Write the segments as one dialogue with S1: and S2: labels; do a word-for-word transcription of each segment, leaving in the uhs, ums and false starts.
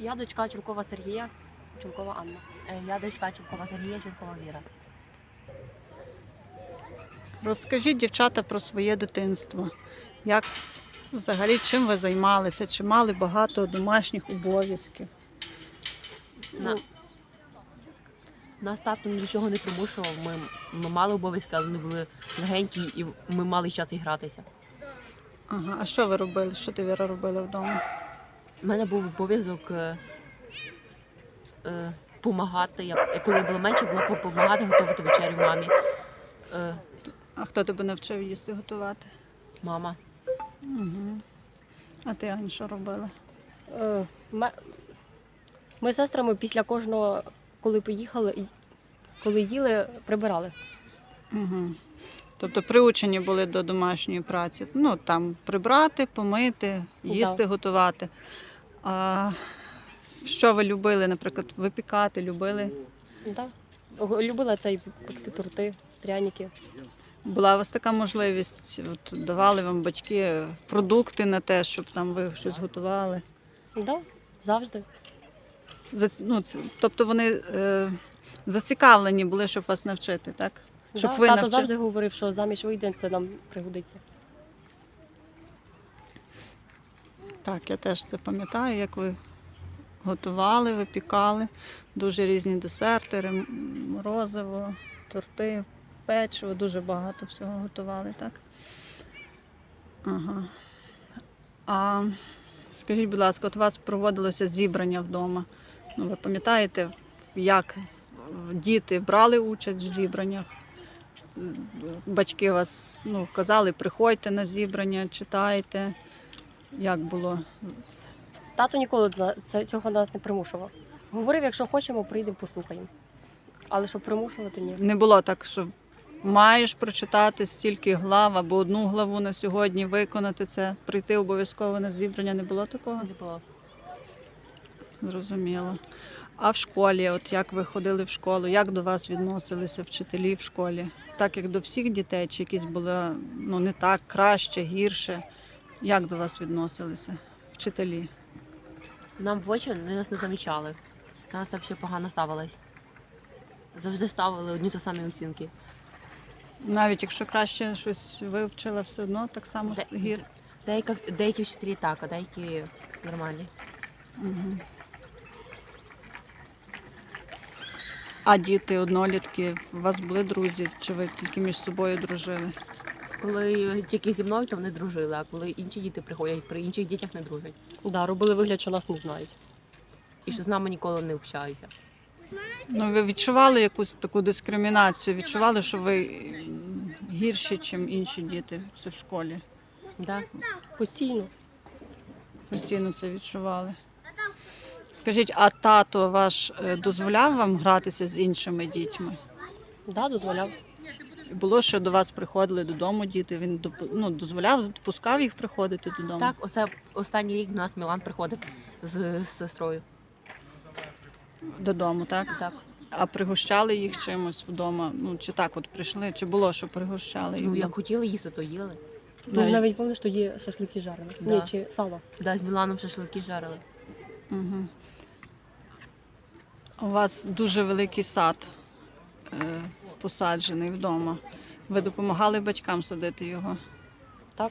S1: Я дочка Чулкова Сергія, Чулкова Анна.
S2: Е, Я дочка Чулкова Сергія, Чулкова Віра.
S3: Розкажіть, дівчата, про своє дитинство. Як взагалі, чим ви займалися? Чи мали багато домашніх обов'язків?
S2: На... Нас тато нічого не примушував. Ми, ми мали обов'язки, але вони були легенькі, і ми мали час і гратися.
S3: Ага, а що ви робили? Що ти, Віра, робила вдома?
S2: У мене був обов'язок е, е, помагати. Я, коли я була менше, було допомагати готувати вечерю мамі. Е,
S3: А хто тебе навчив їсти готувати?
S2: мама.
S3: Угу. А ти, Ань, що робила?
S1: Е, ме- Ми з сестрами після кожного, коли поїхали, і коли їли, прибирали.
S3: Угу. Тобто приучені були до домашньої праці. Ну, там прибрати, помити, їсти,
S1: Да.
S3: готувати. А що ви любили, наприклад, випікати, любили?
S1: Да. Г- Любила цей пекти торти, пряники.
S3: Була у вас така можливість, от давали вам батьки продукти на те, щоб там ви щось готували?
S1: Да, завжди.
S3: За, ну, це- тобто вони е, зацікавлені були, щоб вас навчити, так? Щоб
S1: Да.
S3: ви
S1: Тато
S3: навчи-
S1: завжди говорив, що заміж вийде, це нам пригодиться.
S3: Так, я теж це пам'ятаю, як ви готували, випікали. Дуже різні десерти, рем- морозиво, торти, печиво, дуже багато всього готували, так? Ага. А скажіть, будь ласка, от у вас проводилося зібрання вдома. Ну, ви пам'ятаєте, як діти брали участь в зібраннях? Батьки вас ну, казали, приходьте на зібрання, читайте. Як було?
S1: Тато ніколи на- це- цього нас не примушував. Говорив, якщо хочемо, прийдемо, послухаємо. Але щоб примушувати, ні.
S3: Не було так, що маєш прочитати стільки глав або одну главу на сьогодні, виконати це, прийти обов'язково на зібрання, не було такого?
S2: Не було.
S3: Зрозуміло. А в школі, от як ви ходили в школу, як до вас відносилися вчителі в школі? Так як до всіх дітей, чи якісь було ну, не так, краще, гірше? Як до вас відносилися вчителі?
S2: Нам в очі вони нас не замічали. До нас взагалі погано ставились. Завжди ставили одні ті самі оцінки.
S3: Навіть якщо краще щось вивчила, все одно так само
S2: Де-
S3: гір.
S2: Деякі, деякі вчителі так, а деякі нормальні.
S3: Угу. А діти, однолітки, у вас були друзі, чи ви тільки між собою дружили?
S2: Коли тільки зі мною, то вони дружили, а коли інші діти приходять, при інших дітях не дружать.
S1: Да, робили вигляд, що нас не знають.
S2: І що з нами ніколи не общаються.
S3: Ну, ви відчували якусь таку дискримінацію? Відчували, що ви м, гірші, ніж інші діти це в школі?
S2: Да?
S1: Постійно.
S3: Постійно це відчували. Скажіть, а тато ваш е, дозволяв вам гратися з іншими дітьми?
S1: Да, дозволяв.
S3: Було, що до вас приходили додому діти, він доп- ну, дозволяв, допускав їх приходити додому?
S2: Так, оце останній рік до нас Мілан приходив з, з сестрою.
S3: Додому, так?
S2: Так.
S3: А пригощали їх чимось вдома? Ну, чи так от прийшли, чи було, що пригощали їх?
S2: Ну, як
S3: вдома?
S2: хотіли їсти, то їли.
S1: Ти
S3: Навіть-
S1: навіть пам'ятаєш, що є шашлики жарені.
S2: Да.
S1: Ні, чи сало.
S2: Да, з Міланом шашлики жарили.
S3: Угу. У вас дуже великий сад е, посаджений вдома. Ви допомагали батькам садити його?
S1: Так.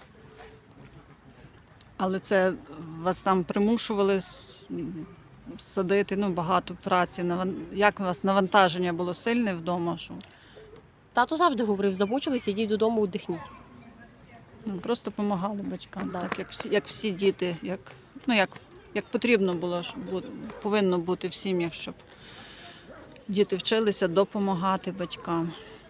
S3: Але це вас там примушували с- м, садити, ну, багато праці. Наван- Як у вас навантаження було сильне вдома? Що
S1: Тато завжди говорив, замучились, ідіть додому, віддихніть.
S3: ну, просто допомагали батькам,
S1: Да.
S3: так як всі, як всі діти, як, ну, як, як потрібно було, щоб бу- повинно бути в сім'ях, щоб діти вчилися допомагати батькам.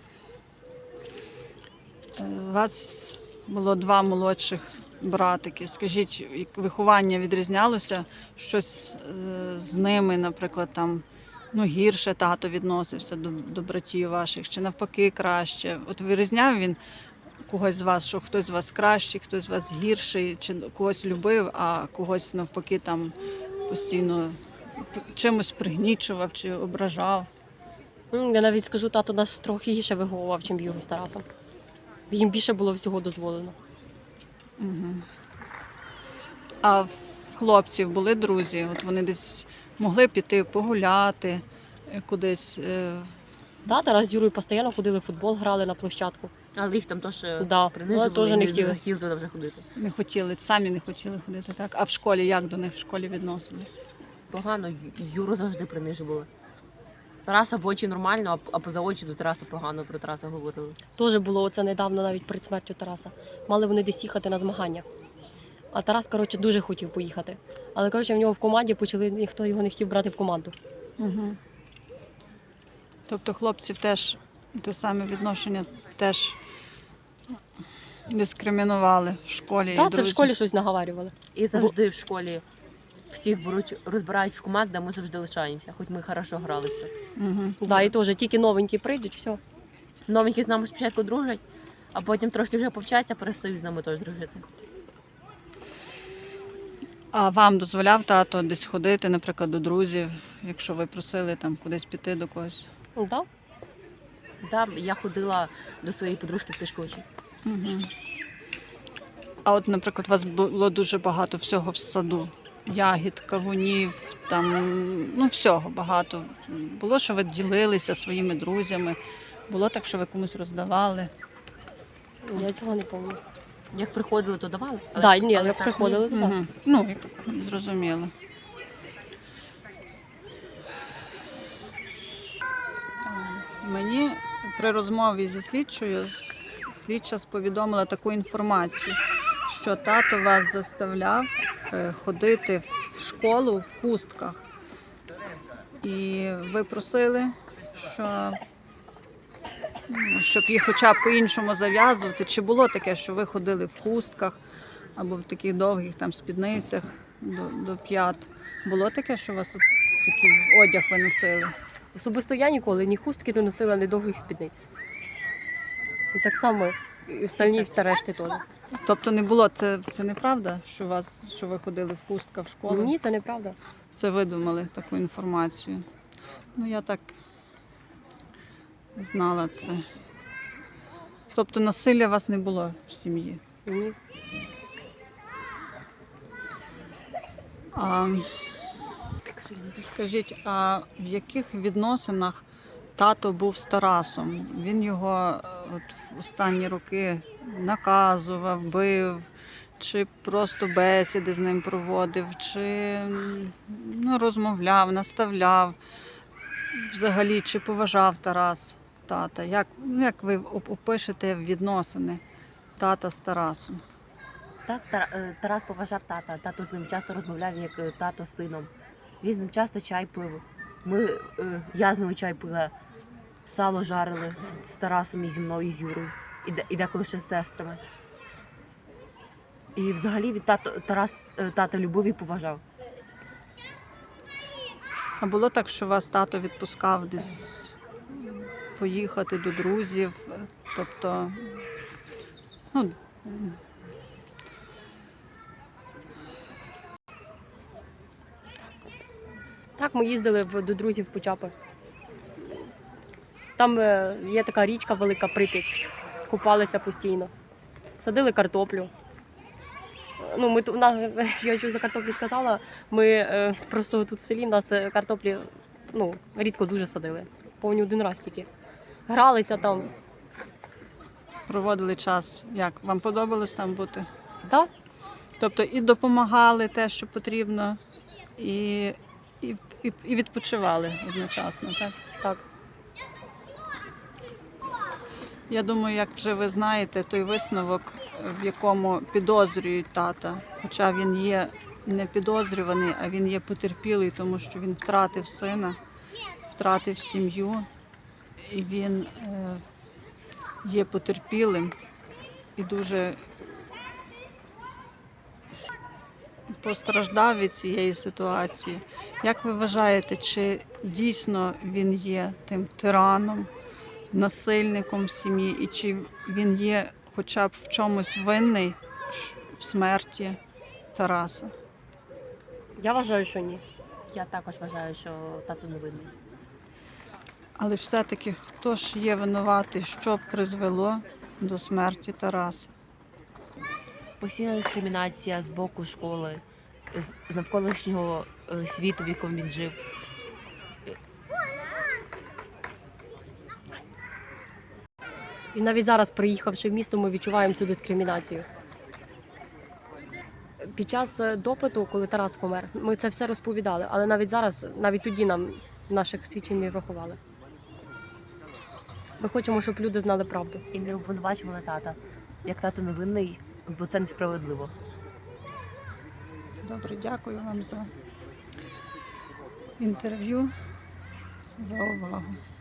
S3: Е, У вас було два молодших братики. Скажіть, як виховання відрізнялося? Щось е, з ними, наприклад, там ну, гірше тато відносився до, до братів ваших, чи навпаки краще? От вирізняв він когось з вас, що хтось з вас кращий, хтось з вас гірший, чи когось любив, а когось навпаки там постійно чимось пригнічував чи ображав?
S1: М, Я навіть скажу, тато нас трохи гірше виховував, ніж Юрій з Тарасом. Їм більше було всього дозволено.
S3: Угу. А в хлопців були друзі? От вони десь могли піти погуляти е, кудись. е,
S1: Да, Тарас з Юрою постійно ходили в футбол, грали на площадку.
S2: Але їх там теж
S1: Да,
S2: принижували,
S1: вони теж не
S2: і
S1: хотіли.
S2: хотіли туди вже ходити.
S3: Не хотіли, самі не хотіли ходити, так? А в школі як до них в школі відносились?
S2: Погано, Ю- Юру завжди принижували. Тараса в очі нормально, а п- а поза очі до Тараса погано про Тараса говорили.
S1: Теж було оце недавно, навіть перед смертю Тараса. Мали вони десь їхати на змагання. А Тарас, коротше, дуже хотів поїхати. Але, коротше, в нього в команді почали, ніхто його не хотів брати в команду.
S3: Угу. Тобто хлопців теж те саме відношення теж дискримінували в школі. і
S1: Так, це в
S3: друзі.
S1: школі щось наговарювали.
S2: І завжди в школі всіх беруть, розбирають в команди, а ми завжди лишаємося, хоч ми хорошо грали все.
S3: Угу.
S1: Да, і теж тільки новенькі прийдуть, все.
S2: Новенькі з нами спочатку дружать, а потім трошки вже повчаться, перестають з нами теж дружити.
S3: А вам дозволяв тато десь ходити, наприклад, до друзів, якщо ви просили там кудись піти до когось?
S1: Да?
S2: Да, я ходила до своєї подружки в Тишковичі.
S3: Угу. А от, наприклад, у вас було дуже багато всього в саду. Ягід, кавунів, там, ну, всього багато. Було, що ви ділилися своїми друзями, було так, що ви комусь роздавали.
S1: Я цього не пам'ятаю.
S2: Як приходили, то давали.
S1: Так, да, ні,
S2: але
S1: як
S2: так,
S1: приходили, то так.
S3: Угу. Ну, як зрозуміло. Мені при розмові зі слідчою слідча повідомила таку інформацію, що тато вас заставляв е, ходити в школу в хустках. І ви просили, що, ну, щоб їх хоча б по-іншому зав'язувати. Чи було таке, що ви ходили в хустках або в таких довгих там спідницях до, до п'ят? Було таке, що у вас от такий одяг ви носили?
S1: Особисто я ніколи ні хустки не носила, ні довгих спідниць. І так само і остальні та решти теж.
S3: Тобто не було, це, це неправда, що, у вас, що ви ходили в хустках в школу?
S1: Ні, це неправда.
S3: Це видумали таку інформацію. Ну, я так знала це. Тобто насилля у вас не було в сім'ї?
S1: Ні.
S3: А, скажіть, а в яких відносинах тато був з Тарасом? Він його е, от, в останні роки наказував, бив, чи просто бесіди з ним проводив, чи м, ну, розмовляв, наставляв? Взагалі, чи поважав Тарас тата? Як, ну, як ви оп- опишете відносини тата з Тарасом?
S2: Так, Тар- е, Тарас поважав тата. Тато з ним часто розмовляв, як е, тато з сином. Він з ним часто чай пив. Ми, е, я з ними чай пила, сало жарили з, з Тарасом і зі мною, і з Юрою. І, де- і деколи ще з сестрами. І взагалі від тато, Тарас е, тата любив і поважав.
S3: А було так, що вас тато відпускав десь поїхати до друзів? Тобто, ну,
S1: Так, ми їздили в- до друзів в Почапи. Там е, є така річка велика Прип'ять. Купалися постійно. Садили картоплю. Е, Ну, ми ту- на, я чого за картоплю сказала, ми е, просто тут в селі в нас е, картоплі ну, рідко дуже садили. Повні один раз тільки. Гралися там.
S3: проводили час. Як? Вам подобалось там бути?
S1: Так?
S3: Тобто і допомагали те, що потрібно, і, і, і, і відпочивали одночасно, так?
S1: Так.
S3: Я думаю, як вже ви знаєте, той висновок, в якому підозрюють тата, хоча він є не підозрюваний, а він є потерпілий, тому що він втратив сина, втратив сім'ю, і він е, є потерпілим і дуже постраждав від цієї ситуації. Як ви вважаєте, чи дійсно він є тим тираном, насильником в сім'ї, і чи він є хоча б в чомусь винний в смерті Тараса?
S1: Я вважаю, що ні.
S2: Я також вважаю, що тато не винний.
S3: Але все-таки хто ж є винуватий, що призвело до смерті Тараса?
S2: Постійна дискримінація з боку школи. з- з навколишнього е, світу, в якому він жив.
S1: І навіть зараз, приїхавши в місто, ми відчуваємо цю дискримінацію. Під час е, допиту, коли Тарас помер, ми це все розповідали, але навіть зараз, навіть тоді нам наших свідчень не врахували. Ми хочемо, щоб люди знали правду.
S2: І не обвинувачували тата, як тато невинний, бо це несправедливо.
S3: Добре, дякую вам за інтерв'ю, за увагу.